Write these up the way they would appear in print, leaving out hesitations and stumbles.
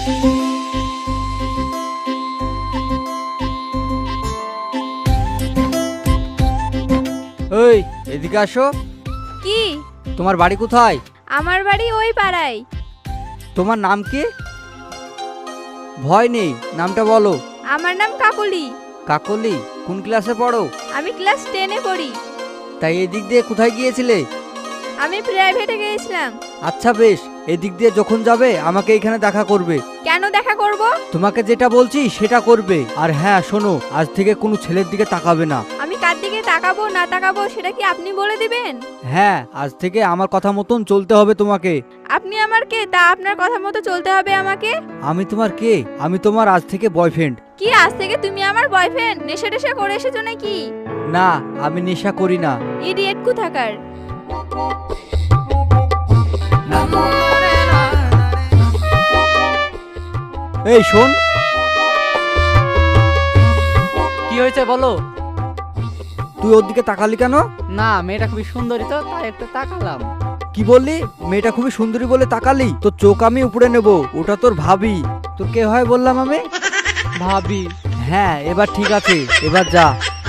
ওই এদিকে আসো। কি? তোমার বাড়ি কোথায়? আমার বাড়ি ওই পাড়ায়। তোমার নাম কি? ভয় নেই, নামটা বলো। আমার নাম কাকলি। কাকলি? কোন ক্লাসে পড়ো? আমি ক্লাস 10-এ পড়ি। তাই এদিক দিয়ে কোথায় গিয়েছিলে? আমি প্রাইভেটে গিয়েছিলাম। আচ্ছা বেশ, এদিক দিয়ে যখন যাবে আমাকে এখানে দেখা করবে। কেন দেখা করব? তোমাকে যেটা বলছি সেটা করবে। আর হ্যাঁ শোনো, আজ থেকে কোনো ছেলের দিকে তাকাবে না। আমি কার দিকে তাকাবো না তাকাবো সেটা কি আপনি বলে দিবেন? হ্যাঁ, আজ থেকে আমার কথা মতন চলতে হবে তোমাকে। আপনি আমার কে তা আপনার কথা মতো চলতে হবে আমাকে? আমি তোমার কে? আমি তোমার আজ থেকে বয়ফ্রেন্ড। কি আজ থেকে তুমি আমার বয়ফ্রেন্ড? নেশা টেশা করে এসেছো নাকি? না, আমি নেশা করি না। ইডিয়েট কোথাকার। এই শোন। কি হয়েছে বলো? তুই ওর দিকে তাকালি কেন? না, মেয়েটা খুবই সুন্দরী তো তাই একটু তাকালাম। কি বললি? মেয়েটা খুবই সুন্দরী বলে তাকালি? তোর চোখ আমি উপরে নেব। ওটা তোর ভাবি। তোর কে হয় বললাম আমি? ভাবি? হ্যাঁ, এবার ঠিক আছে, এবার যা।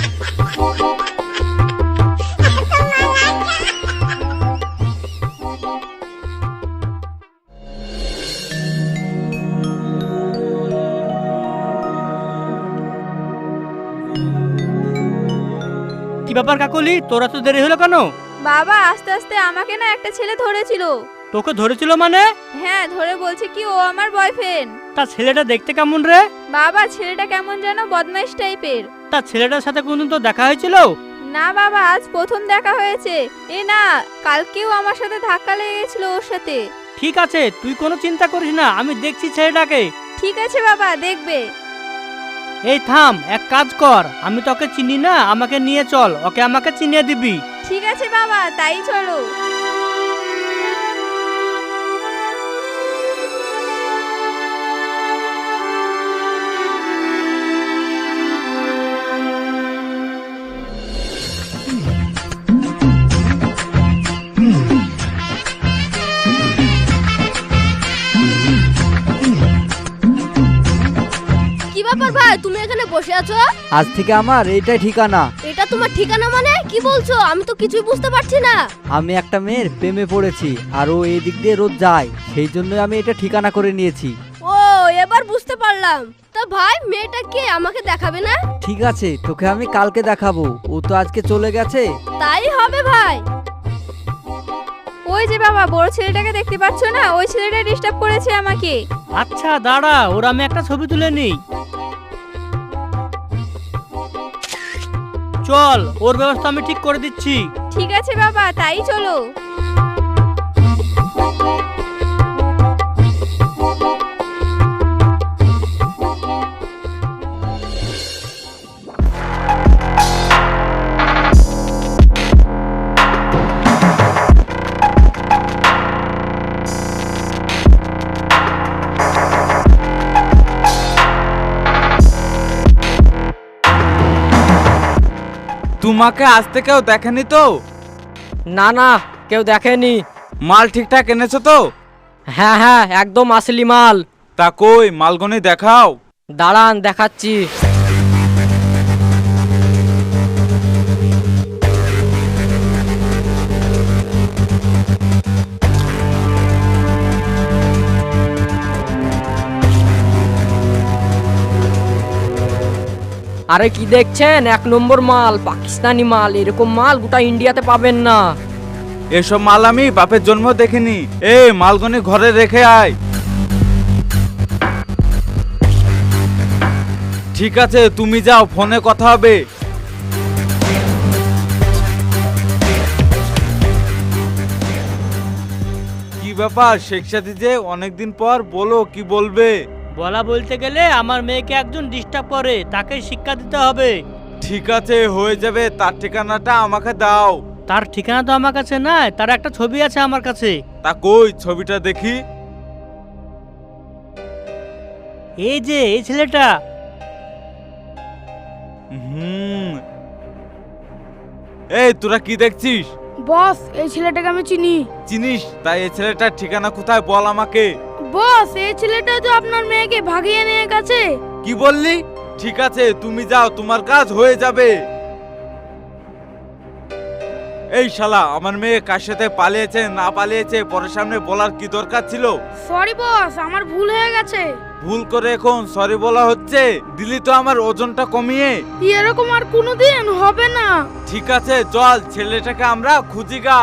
কি ব্যাপার কাকলি, তোরা তো দেরি হলো কেন? বাবা আস্তে আস্তে আমাকে না একটা ছেলে ধরেছিল। তোকে ধরেছিল মানে? হ্যাঁ, ধরে বলছে কি ও আমার বয়ফ্রেন্ড। তা ছেলেটা দেখতে কেমন রে? বাবা ছেলেটা কেমন যেন বদমাইশ টাইপের। তা ছেলেটার সাথে কোনদিন তো দেখা হয়েছিল? না বাবা, আজ প্রথম দেখা হয়েছে। এ না, কালকেও আমার সাথে ধাক্কা লেগে গেছিল ওর সাথে। ঠিক আছে, তুই কোনো চিন্তা করিস না, আমি দেখছি ছেলেটাকে। ঠিক আছে বাবা, দেখবে। এই থাম, এক কাজ কর, আমি তোকে চিনি না, আমাকে নিয়ে চল, ওকে আমাকে চিনিয়ে দিবি। ঠিক আছে বাবা, তাই চলো। কি ব্যাপার ভাই, তুমি এখানে বসে আছো? আজ থেকে আমার এইটাই ঠিকানা। এটা তোমার ঠিকানা মানে? কি বলছো? আমি তো কিছুই বুঝতে পারছি না। আমি একটা মেয়ের প্রেমে পড়েছি, আর ও এই দিক দিয়ে রোজ যায়, সেই জন্য আমি এটা ঠিকানা করে নিয়েছি। ও, এবার বুঝতে পারলাম। তা ভাই, মেয়েটা কে, আমাকে দেখাবে না? ঠিক আছে, তোকে আমি কালকে দেখাবো। ও তো আজকে চলে গেছে। তাই হবে ভাই। ওই যে বাবা, বড় ছেলেটাকে দেখতে পাচ্ছ না? ওই ছেলেটা ডিস্টার্ব করেছে আমাকে। আচ্ছা দাঁড়া, ওর আমি একটা ছবি তুলে নিই। চল, ওর ব্যবস্থা আমি ঠিক করে দিচ্ছি। ঠিক আছে বাবা, তাই চলো। তোমাকে আসতে কেউ দেখেনি তো? না না, কেউ দেখেনি। মাল ঠিকঠাক এনেছো তো? হ্যাঁ হ্যাঁ, একদম আসলি মাল। তা কই মালগনি দেখাও। দাঁড়ান, দেখাচ্ছি। আরে কি দেখছেন? 1 নম্বর মাল, পাকিস্তানি মাল। এরকম মাল গোটা ইন্ডিয়াতে পাবেন না। এসব মাল আমি বাপের জন্ম দেখিনি। মালগনি ঘরে রেখে আয়। ঠিক আছে, তুমি যাও, ফোনে কথা হবে। কি ব্যাপার শেখ সাথী যে অনেকদিন পর, বলো কি বলবে? বলা বলতে গেলে আমার মেয়েকে একজন ডিস্টার্ব করে, তাকে শিক্ষা দিতে হবে। ঠিক আছে, হয়ে যাবে। তার ঠিকানাটা আমাকে দাও। তার ঠিকানা তো আমার কাছে নাই, তার একটা ছবি আছে আমার কাছে। তা কই ছবিটা দেখি। এই যে এই ছেলেটা। এই তোরা কি দেখছিস? বস, এই ছেলেটাকে আমি চিনি। চিনিস? তাই এই ছেলেটার ঠিকানা কোথায় বল আমাকে। বস এই ছেলেটা তো আপনার মেয়েকে ভাগিয়ে নিয়ে গেছে। কি বললি? ঠিক আছে তুমি যাও, তোমার কাজ হয়ে যাবে। এই শালা, আমার মেয়ে কার সাথে পালিয়েছে না পালিয়েছে পরের সামনে বলার কি দরকার ছিল? সরি বস, আমার ভুল হয়ে গেছে। ভুল করে এখন সরি বলা হচ্ছে? দিলি তো আমার ওজনটা কমিয়ে। এরকম আর কোনোদিন হবে না। ঠিক আছে চল, ছেলেটাকে আমরা খুঁজি গা।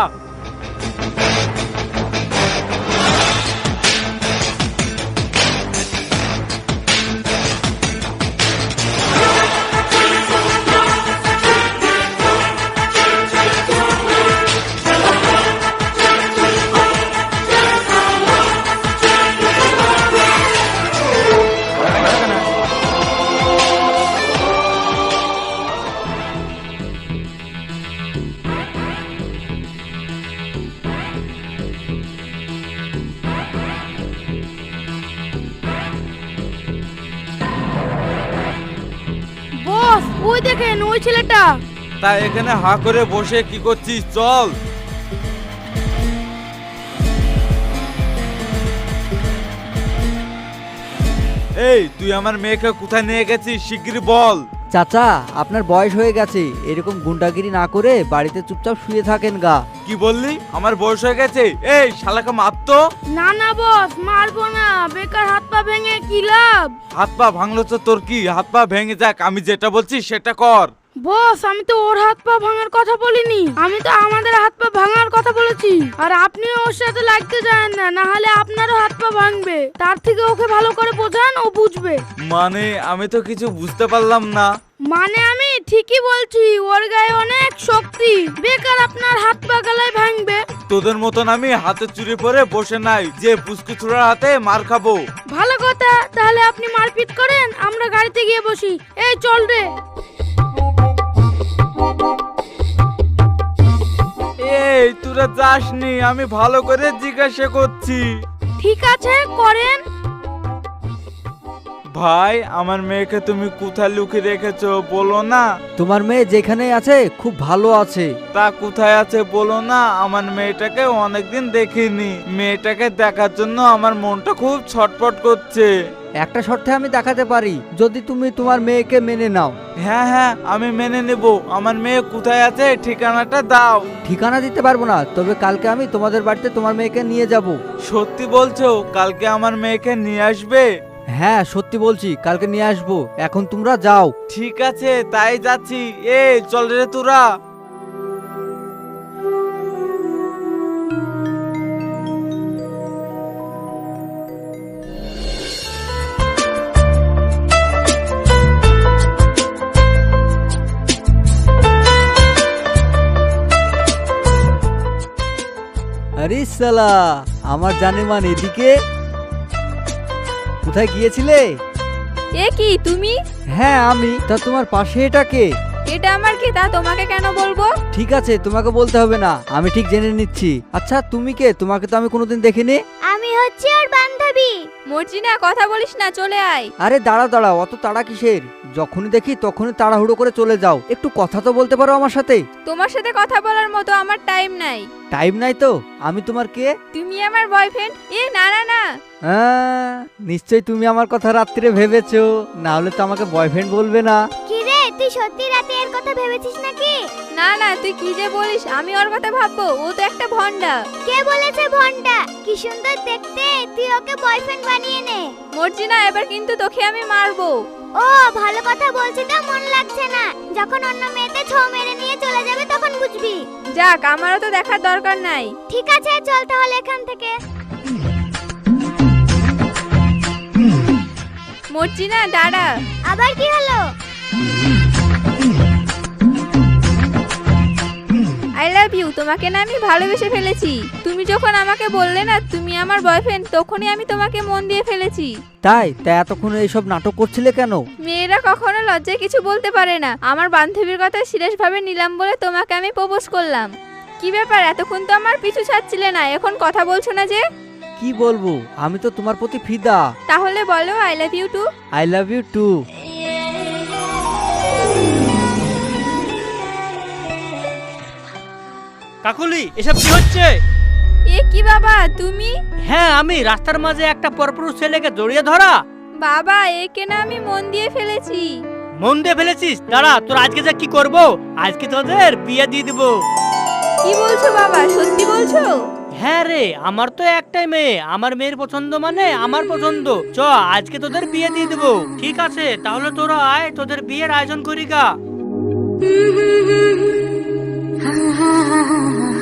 বস ওই দেখেন ওই ছেলেটা। তা এখানে হা করে বসে কি করছিস? চল। এই তুই আমার মেয়েকে কোথায় নিয়ে গেছিস শিগগিরই বল। চাচা, আপনার বয়স হয়ে গেছে, এরকম গুন্ডাগিরি না করে বাড়িতে চুপচাপ শুয়ে থাকেন গা। কি বললি? আমার বয়স হয়ে গেছে? এই শালাকে মারতো। না না বস, মারবো না, বেকার হাত পা ভেঙে কি লাভ। হাত পা ভাঙলো তো তোর কি? হাত পা ভেঙে যাক, আমি যেটা বলছি সেটা কর। বস আমি তো ওর হাত পা ভাঙার কথা বলিনি, আমি তো আমাদের হাত পা ভাঙার কথা বলেছি। আর আপনি ওর সাথে লাগতে যান না, না হলে আপনারও হাত পা ভাঙবে। তার থেকে ওকে ভালো করে বোঝান, ও বুঝবে। মানে আমি তো কিছু বুঝতে পারলাম না। মানে আমি ঠিকই বলছি, ওর গায়ে অনেক শক্তি, বেকার আপনার হাত পা গলায় ভাঙবে। তোদের মতন আমি হাতে চুরি পরে বসে নাই যে পুষ্কু ছোড়ার হাতে মার খাবো। ভালো কথা, তাহলে আপনি মারপিট করেন, আমরা গাড়িতে গিয়ে বসি। এই চল রে। এই তোরা যাসনি, আমি ভালো করে জিজ্ঞাসা করছি। ঠিক আছে করেন। ভাই আমার মেয়েকে তুমি কোথায় লুকিয়ে রেখেছো বলো না। তোমার মেয়ে যেখানে আছে খুব ভালো আছে। তা কোথায় আছে বলো না, আমার মেয়েটাকে অনেকদিন দেখিনি। মেয়েটাকে দেখার জন্য আমার মনটা খুব ছটফট করছে। একটা শর্তে আমি দেখাতে পারি, যদি তুমি তোমার মেয়েকে মেনে নাও। হ্যাঁ হ্যাঁ আমি মেনে নেব। আমার মেয়ে কোথায় আছে ঠিকানাটা দাও। ঠিকানা দিতে পারবো না, তবে কালকে আমি তোমাদের বাড়িতে তোমার মেয়েকে নিয়ে যাব। সত্যি বলছো? কালকে আমার মেয়েকে নিয়ে আসবে? হ্যাঁ সত্যি বলছি, কালকে নিয়ে আসবো। এখন তোমরা যাও। ঠিক আছে তাই যাচ্ছি। এই চল রে তোরা। আরে সালা, আমার জানেমান এদিকে। কোথায় গিয়েছিলে? এ কি তুমি? হ্যাঁ আমি। তা তোমার পাশে এটা কে? এটা আমার কি তা তোমাকে কেন বলবো? ঠিক আছে, তোমাকে বলতে হবে না, আমি ঠিক জেনে নিচ্ছি। আচ্ছা তুমি কে? তোমাকে তো আমি কোনোদিন দেখিনি। আমি হচ্ছে ওর বান্ধবী। মর্জিনা কথা বলিস না, চলে আয়। আরে দাঁড়াও দাঁড়াও, অত তাড়া কিসের? যখনই দেখি তখনই তাড়াহুড়ো করে চলে যাও। একটু কথা তো বলতে পারো আমার সাথে। তোমার সাথে কথা বলার মতো আমার টাইম নাই। টাইম নাই তো? আমি তোমার কে? তুমি আমার বয়ফ্রেন্ড? এ না না না। হ্যাঁ, নিশ্চয়ই তুমি আমার কথা রাত্রে ভেবেছো, না হলে তো আমাকে বয়ফ্রেন্ড বলবে না। কি রে, তুই সত্যি রাতে এর কথা ভেবেছিস নাকি? না না, তুই কি যে বলিস, আমি ওর কথা ভাববো? ও তো একটা ভন্ডা। কে বলেছে ভন্ডা? কি সুন্দর দেখতে, তুই ওকে বয়ফ্রেন্ড বানিয়ে নে। মর্জিনা, এবার কিন্তু তোকে আমি মারবো। ও ভালো কথা বলছি তো, মন লাগছে না। যখন অন্য মেয়েতে ছো মেরে নিয়ে চলে যাবে তখন বুঝবি। যাক, আমারও তো দেখার দরকার নাই। ঠিক আছে চল তাহলে এখান থেকে। মর্জিনা দাঁড়া। আবার কি হলো? I love you. তোমাকে না আমি ভালোবেসে ফেলেছি। তুমি যখন আমাকে বললে না তুমি আমার বয়ফ্রেন্ড, তখনই আমি তোমাকে মন দিয়ে ফেলেছি। তাই এতক্ষণ এইসব নাটক করছিলে কেন? মেয়েরা কখনো লজ্জায় কিছু বলতে পারে না। আমার বান্ধবীর কথা সিরিয়াস ভাবে নিলাম বলে তোমাকে আমি প্রপোজ করলাম। কি ব্যাপার, এতক্ষণ তো আমার পিছু ছাড়ছিলে না, এখন কথা বলছো না যে? কি বলবো, আমি তো তোমার প্রতি ফিদা। তাহলে বলো I love you too. I love you too. Kakuli, এসব কি হচ্ছে? এ কি বাবা তুমি? হ্যাঁ আমি রাস্তার মাঝে একটা পরপুরুষ ছেলেকে জড়িয়ে ধরা। বাবা একে না আমি মন দিয়ে ফেলেছি। মন দিয়ে ফেলেছিস? দাঁড়া, তোর আজকে যা কি করব, আজকে তোদের বিয়ে দিয়ে দিব। কি বলছো বাবা, সত্যি বলছো? হ্যাঁ রে, আমার তো একটাই মেয়ে, আমার মেয়ের পছন্দ মানে আমার পছন্দ। চ আজকে তোদের বিয়ে দিয়ে দেবো। ঠিক আছে তাহলে তোরা আয়, তোদের বিয়ের আয়োজন করি গা।